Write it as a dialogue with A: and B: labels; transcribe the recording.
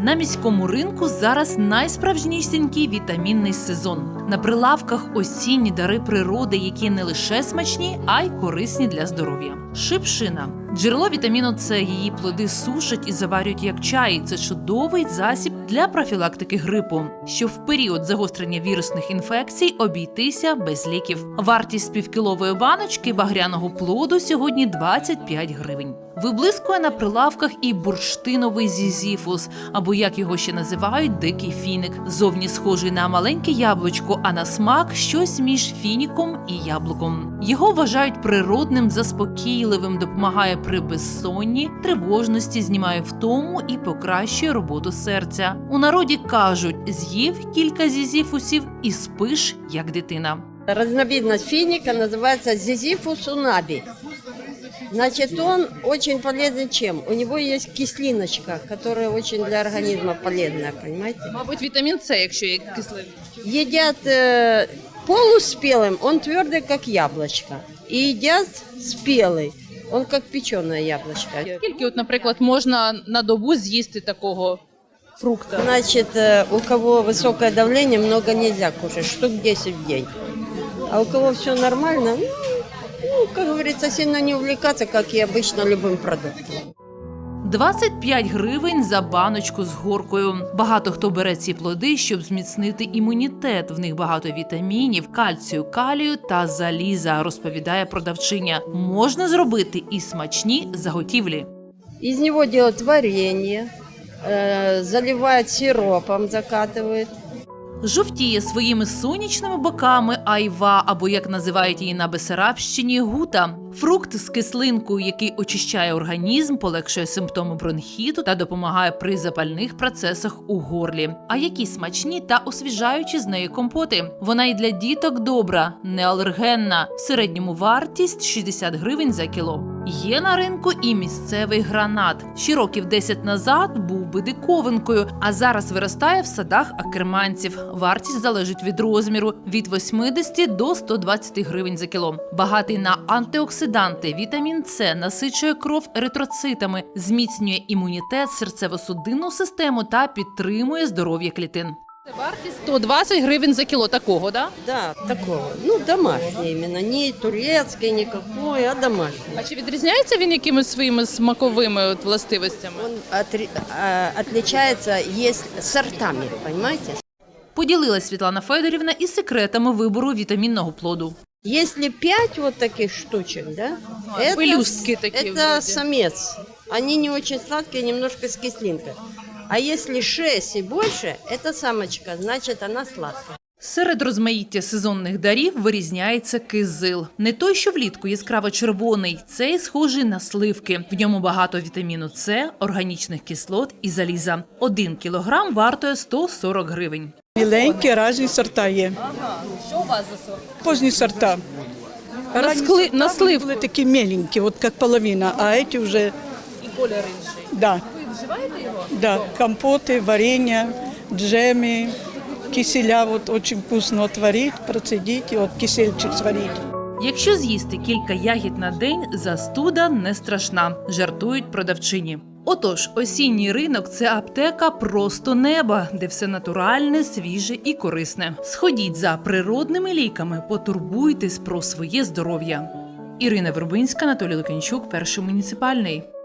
A: На міському ринку зараз найсправжнісінький вітамінний сезон. На прилавках осінні дари природи, які не лише смачні, а й корисні для здоров'я. Шипшина. Джерело вітаміну С, її плоди сушать і заварюють як чай. Це чудовий засіб для профілактики грипу, щоб в період загострення вірусних інфекцій обійтися без ліків. Вартість півкілової баночки багряного плоду сьогодні 25 гривень. Виблискує на прилавках і бурштиновий зізіфус, або, як його ще називають, дикий фіник. Зовні схожий на маленьке яблучко, а на смак щось між фініком і яблуком. Його вважають природним, заспокійливим, допомагає при безсонні, тривожності, знімає втому і покращує роботу серця. У народі кажуть, з'їв кілька зізіфусів і спиш, як дитина.
B: Разновидность финика называется зизифус унаби. Значит, он очень полезен чем? У него есть кислиночка, которая очень для организма полезная, понимаете?
A: Мабуть, вітамін С, якщо є кислий.
B: Едят полуспелым, он твердый, как яблочко. И едят спелый, он как печеное яблочко.
A: Скільки, наприклад, можна на добу з'їсти такого фрукта?
B: Значит, у кого высокое давление, много нельзя кушать, штук 10 в день. А у кого все нормально, как говорится, сильно не увлекаться, как и обычно, любым продуктом.
A: 25 гривень за баночку з горкою. Багато хто бере ці плоди, щоб зміцнити імунітет. В них багато вітамінів, кальцію, калію та заліза, розповідає продавчиня. Можна зробити і смачні заготівлі.
B: Из него делают варенье, заливают сиропом, закатывают.
A: Жовтіє своїми сонячними боками айва, або, як називають її на Бессарабщині, гута. Фрукт з кислинкою, який очищає організм, полегшує симптоми бронхіту та допомагає при запальних процесах у горлі. А які смачні та освіжаючі з неї компоти. Вона і для діток добра, не алергенна. В середньому вартість 60 гривень за кіло. Є на ринку і місцевий гранат. Ще років 10 назад був би диковинкою, а зараз виростає в садах акерманців. Вартість залежить від розміру – від 80 до 120 гривень за кіло. Багатий на антиоксиданти, вітамін С насичує кров еритроцитами, зміцнює імунітет, серцево-судинну систему та підтримує здоров'я клітин. Це вартість 120 гривень за кіло такого, да?
B: Да, такого. Ну, домашний именно. Не турецкий никакой, а домашний.
A: А чи відрізняється він якимись своїми смаковими властивостями?
B: Он отличается, есть сортами, понимаете?
A: Поділилась Світлана Федорівна і секретами вибору вітамінного плоду.
B: Если 5 вот таких штучек, да,
A: пелюстки такие
B: это
A: вроде.
B: самец. Они не очень сладкие, немножко с кислинкой. А если 6 и больше, это самочка, значит она сладкая.
A: Серед розмаїття сезонних дарів вирізняється кизил. Не той, що влітку яскраво-червоний, цей схожий на сливки. В ньому багато вітаміну С, органічних кислот і заліза. 1 кілограм вартує 140 гривень.
C: Міленькі, різні сорта є.
A: Що у вас за сорт?
C: Позні сорта.
A: На сливку.
C: Були такі меленькі, от як половина, а ці вже,
A: І колір інший.
C: да,
A: Ви вживаєте його?
C: да, компоти, варенья, джеми, киселя, вот очень вкусно отварить, процедить, и вот кисельчик сварить.
A: Якщо з'їсти кілька ягід на день, застуда не страшна, жартують продавчині. Отож, осінній ринок – це аптека просто неба, де все натуральне, свіже і корисне. Сходіть за природними ліками, потурбуйтесь про своє здоров'я. Ірина Вербинська, Анатолій Лук'янчук, Перший муніципальний.